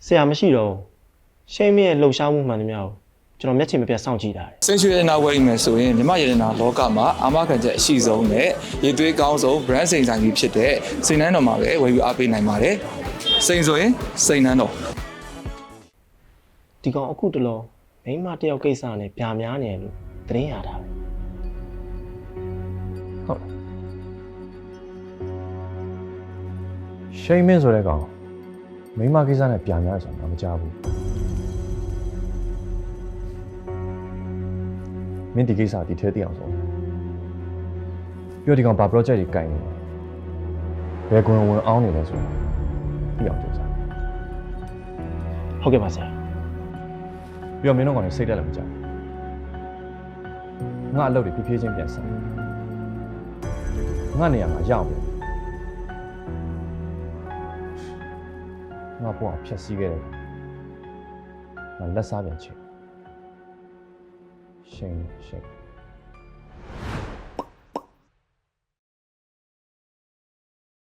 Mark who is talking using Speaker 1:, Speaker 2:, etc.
Speaker 1: ဆရာမရှိတော့ရှိမင်းရဲ့လှုပ်ရှားမှုမှန်သမျှကိုကျွန်တော်မျက်ခြေမပြတ်စောင့်ကြည့်တာ
Speaker 2: စိတ်ရွှေရနာဝယ်မယ်ဆိုရင်မြမရတနာလောကမှာအာမခံချက်အရှိဆုံးနဲ့ရည်သွေးကောင်းဆုံး brand စိန်ဆိုင်ကြီးဖြစ်တဲ့စိန်နှန်းတော်မှာပဲဝယ်ယူအားပေးနိုင်ပါတယ်စိန်ဆိုရင်စိန်နှန်းတော်
Speaker 1: ဒီကောင်အခုတလောမိန်းမတယောက်ကိစ္စနဲ့ပြာများနေတယ်လို့သတင်းရတာပဲ
Speaker 3: ဟုတ်ရှိမင်းဆိုတဲ့ကောင်မိန်းမကိစ္စနဲ့ပြန်များဆိုတာမကြားဘူးမင်းဒီကိစ္စဒီထဲသိအောင်ဆိုပြောဒီကောင်ဘာ project ကြီးကိုင်နေလဲဘယ်ကွန်ဝင်အောင်နေလဲဆိုသိအောင်ကြိုးစား
Speaker 1: ဟုတ်ကဲ့ပါဆရာ
Speaker 3: ပြီးတော့မင်းတို့ကောင်လည်းစိတ်တက်လည်းမကြဘူးငါအလုပ်တွေဖြည်းဖြည်းချင်းပြန်ဆက်ငါနေရာမှာရောက်ပြီငါပေါ့ဖြတ်စည်းခဲ့တယ်ငါလက်စားပြန်ချင်ရှိန်